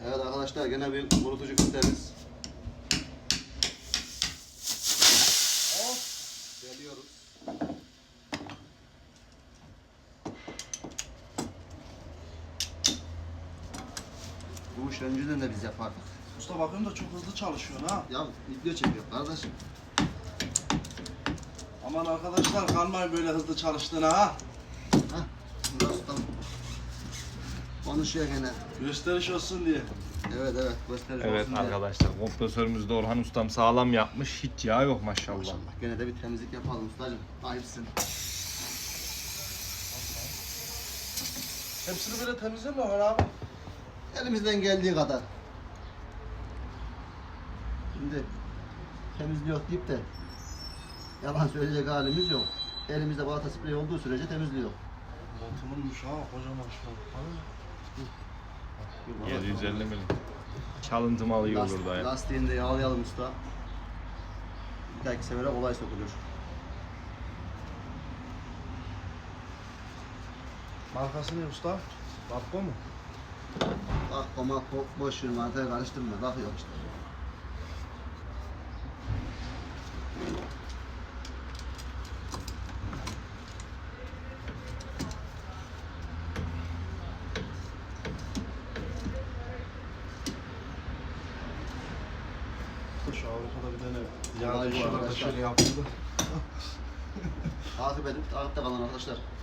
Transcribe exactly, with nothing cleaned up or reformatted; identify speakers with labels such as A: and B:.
A: Evet arkadaşlar gene bir kurutucu filtremiz. Geliyoruz. Bu iş önceden de biz yapardık.
B: Usta bakıyorum da çok hızlı çalışıyorsun ha.
A: Ya video çekiyor kardeşim.
B: Aman arkadaşlar kanmayın böyle hızlı çalıştığına ha.
A: Hah. Burada ustam. Konuşuyor gene.
B: Gösteriş olsun diye.
A: Evet evet gösterici
C: Evet
A: olsun diye.
C: arkadaşlar, kompresörümüzde Orhan ustam sağlam yapmış. Hiç yağ yok maşallah.
A: Maşallah. Gene de bir temizlik yapalım ustacığım. Ayıpsın.
B: Hepsini böyle temizlemiyor abi.
A: Elimizden geldiği kadar. Şimdi temizliyor deyip de yalan söyleyecek halimiz yok. Elimizde balata spreyi olduğu sürece temizliyor.
B: Motorunmuş ha kocaman şu an.
C: yedi yüz elli milim. Çalıntı malı iyi olur da ya.
A: Lastiğini de yağlayalım usta. Bir dahaki sefere olay sokuluyor.
B: Markası ne usta? Barko mu?
A: Bak koma boş ver mantaya karıştırma. Bakıyor işte.
B: Şu Avrupa'da bir tane
A: Vay
B: yağ
A: bu
B: düşüyorlar da
A: arkadaşlar.
B: şöyle yapıyordu.
A: Takip edin. Takipte kalın arkadaşlar.